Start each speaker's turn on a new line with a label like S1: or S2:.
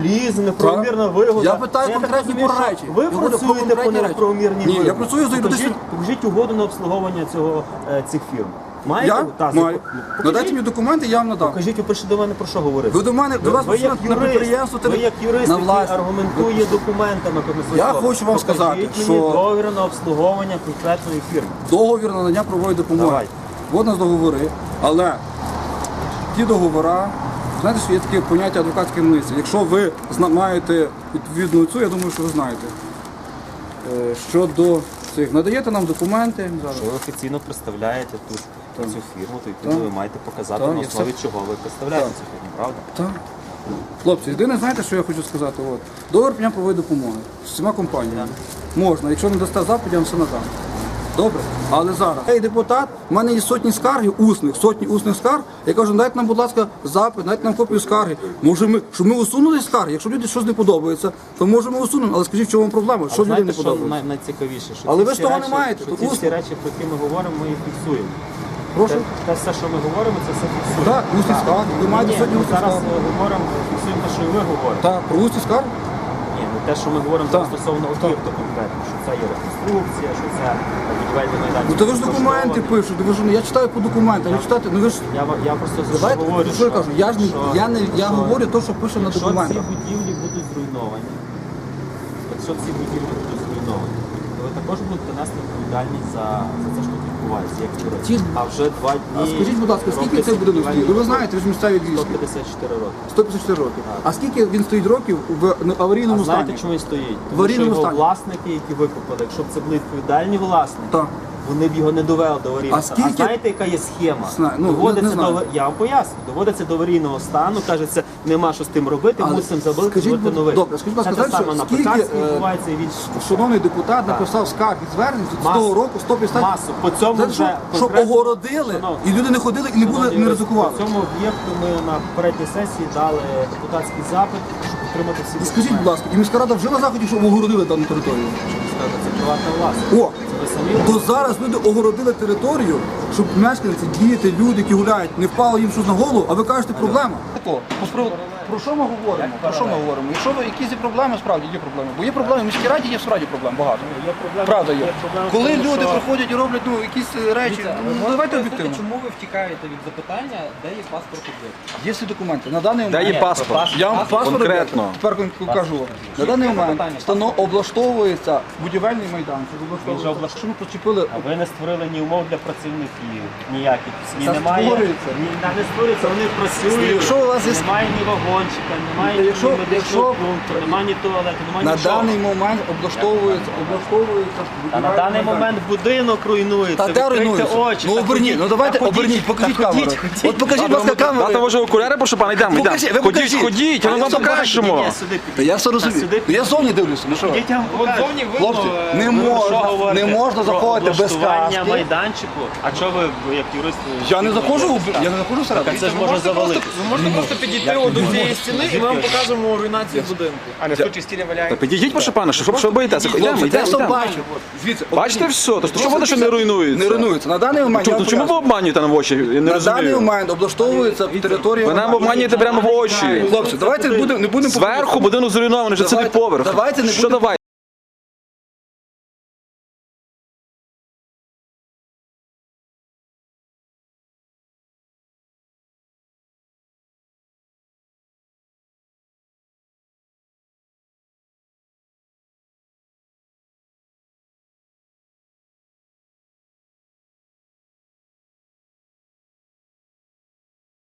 S1: вандалізм, неправомірна вигода.
S2: Я питаю конкретні речі.
S1: Ви
S2: Я говорю про
S1: працюєте по
S2: конкретні
S1: неправомірній
S2: Ні,
S1: вигоді.
S2: я працюю за юридичним.
S1: Покажіть угоду на обслуговування цих фірм. Маєте?
S2: Я
S1: Так,
S2: маю.
S1: покажіть.
S2: Надайте мені документи, я вам надам.
S1: Покажіть, ви прийшли до мене про що говорити.
S2: Ви до мене, до вас
S1: Ви як
S2: працюють на підприємство,
S1: ви як юрист,
S2: на
S1: який
S2: власність.
S1: аргументує документами.
S2: Я хочу вам сказати,
S1: Покажіть
S2: що-
S1: мені договір на обслуговування конкретної фірми.
S2: Договір на надання правової допомоги.
S1: Давай.
S2: От у нас договори, але ті договори, знаєте, що є таке поняття адвокатської митниці. Якщо ви маєте відповідну цю, я думаю, що ви знаєте. Щодо цих, надаєте нам документи.
S1: Що ви офіційно представляєте тут цю фірму, то відповідно
S2: Так.
S1: ви маєте показати,
S2: Так,
S1: на
S2: я
S1: основі
S2: все-
S1: чого ви представляєте
S2: Так.
S1: цю фірму, правда?
S2: Так. Хлопці, єдине, знаєте, що я хочу сказати? От. Договір прийняв правової допомоги з всіма компаніями. Можна, якщо не дасте запит, я вам все надам. Добре? Але зараз. Ей, депутат, в мене є сотні скарги, сотні усних скарг. Я кажу, дайте нам, будь ласка, запит, дайте нам копію скарги. Може, щоб ми усунули скарги? Якщо люди щось не подобається, то може ми усунемо. Але скажіть, в чому проблема? Що людям
S1: Знаєте,
S2: не
S1: що
S2: подобається?
S1: найцікавіше? Що
S2: Але
S1: ці
S2: ви ж
S1: всі
S2: того
S1: речі-
S2: не маєте,
S1: що
S2: тут
S1: ці всі
S2: усно.
S1: речі, про які ми говоримо, ми їх фіксуємо.
S2: Прошу?
S1: Те все, що ми говоримо, це все фіксуємо.
S2: Так, усні скарги. Ви маєте
S1: Ні,
S2: сьогодні
S1: ми
S2: усні
S1: зараз
S2: скарги.
S1: говоримо, фіксуємо те, що і ви говорите.
S2: Так, про усні скарги?
S1: Ні, ну те, що ми говоримо
S2: Так.
S1: стосовно об'єкту конкретно, що це є реконструкція, що це будівельний майданчик.
S2: Ну то ви ж документи пишете, ви ж я читаю по документам, ви читаєте, ну ви ж
S1: Я просто за що
S2: давайте,
S1: говорю,
S2: що я кажу, я ж не я
S1: що-
S2: говорю те, що пише на
S1: Якщо ці
S2: документах.
S1: будівлі будуть зруйновані, якщо ці будівлі будуть зруйновані, то ви також будете нести відповідальність за те, що тут відбувається, як юрист.
S2: Ті-
S1: А вже 2 дні...
S2: А скажіть, будь ласка, скільки
S1: робляться
S2: цей будинок
S1: будівельні
S2: стоїть? Ви
S1: роботи.
S2: знаєте, ви ж місцеві львівські.
S1: 154 роки.
S2: 154 роки. А скільки він стоїть років в аварійному
S1: А знаєте,
S2: стані?
S1: чому він стоїть?
S2: В
S1: Тому що
S2: аварійному
S1: його
S2: стані.
S1: власники, які викупили, якщо б це були відповідальні власники,
S2: Так.
S1: вони б його не довели до аварійного
S2: А
S1: стану.
S2: скільки-
S1: А знаєте, яка є схема?
S2: Знаю. Ну,
S1: Доводиться
S2: не знаю.
S1: я вам поясню. Доводиться до аварійного стану, кажеться, нема що з тим робити,
S2: Але
S1: мусимо забити,
S2: скажіть,
S1: зробити новий.
S2: добре, скажіть, будь
S1: Це
S2: ласка,
S1: те саме
S2: знаєте,
S1: на
S2: скільки,
S1: Пекарській відбувається і в інших.
S2: Шановний депутат написав скарг і звернень з того року 150.
S1: Масу. По цьому
S2: Знаєте,
S1: вже
S2: щоб
S1: конкретно-
S2: огородили,
S1: Шановні,
S2: і люди не ходили і не були,
S1: шановні,
S2: не ризикували.
S1: По цьому об'єкту ми на попередній сесії дали депутатський запит, щоб отримати всі
S2: І скажіть, будь ласка, і міська рада вжила заходів, щоб огородили дану територію?
S1: це приватна власність.
S2: О,
S1: Це ви самі
S2: то зараз люди огородили територію, щоб мешканці, діти, люди, які гуляють, не впало їм щось на голову, а ви кажете, проблема. Про що ми говоримо? Про що ми говоримо? Якщо якісь є проблеми, справді є проблеми. Бо є проблеми, в міській раді є справді проблем багато.
S1: Є проблема.
S2: Правда є.
S1: проблема в
S2: Коли
S1: тому,
S2: люди
S1: що-
S2: приходять і роблять якісь речі, ну давайте об'єктивно.
S3: Чому ви втікаєте від запитання, де є паспорт об'єкту?
S2: Є всі документи. На даний
S4: Де
S2: момент
S4: є паспорт?
S2: я вам паспорт
S4: Конкретно.
S2: тепер кажу. На даний момент облаштовується будівельний майданчик. Що ми почепили
S1: А ви не створили ні умов для працівників, ніяких ні
S2: Це
S1: немає.
S2: створюється.
S1: Не створюється, вони працюють.
S2: Якщо у вас є-
S1: Немає ні вагончика, немає ні
S2: Якщо-
S1: медичного пункту, немає ні туалету, немає
S2: на
S1: нічого.
S2: даний момент облаштовується
S1: А на
S2: будівельний
S1: даний
S2: майданчик.
S1: момент будинок руйнується.
S2: Та де
S1: відкрийте
S2: руйнується?
S1: очі.
S2: Ну
S1: та
S2: оберніть,
S1: ходіть,
S2: ну давайте
S1: та ходіть,
S2: оберніть, покажіть
S1: та
S2: камеру.
S1: ходіть.
S2: От покажіть, будь ласка,
S4: Дати
S2: камеру.
S4: може окуляри, прошу пана, йдемо, йдемо.
S2: Покажіть, ви
S4: Ходіть,
S2: покажіть.
S4: ходіть, я
S2: А
S4: вам
S2: я сюди
S4: покажемо.
S1: Ні, сюди підійдіть.
S2: Та я все
S1: Та
S2: розумію.
S1: сюди
S2: Ну, я зовні дивлюся, ну що?
S1: Підійдіть, я вам покажу.
S2: Хлопці, не
S1: Що
S2: можна,
S1: говорите?
S2: не можна
S1: Про
S2: заходити без
S1: облаштування
S2: каски.
S1: майданчику. А чого ви як юрист?
S2: Я не заходжу, я не заходжу
S1: Так, а
S2: всередину.
S1: це ж може завалити.
S3: Ви можете просто підійти до цієї стіни і ми вам покажемо руйнацію будинку. А не в случаї стіни
S4: Та
S3: валяє.
S4: підійдіть, прошу пана, що боїтеся? Йдемо,
S2: Хлопці,
S4: йдемо,
S2: я все
S4: йдемо.
S2: бачу. Звідси.
S4: Бачите все? То що воно, що не руйнується?
S2: Не руйнується. На даний момент, я
S4: Чому,
S2: вам
S4: чому ви
S2: поясню.
S4: обманюєте нам в очі? Я не
S2: На даний
S4: розумію.
S2: момент облаштовується територія.
S4: Ви нам обманюєте прямо в очі.
S2: Хлопці, давайте не будемо
S4: Зверху будинок зруйнований, вже цілий поверх.
S2: Давайте не
S4: Що
S2: будемо
S4: давайте?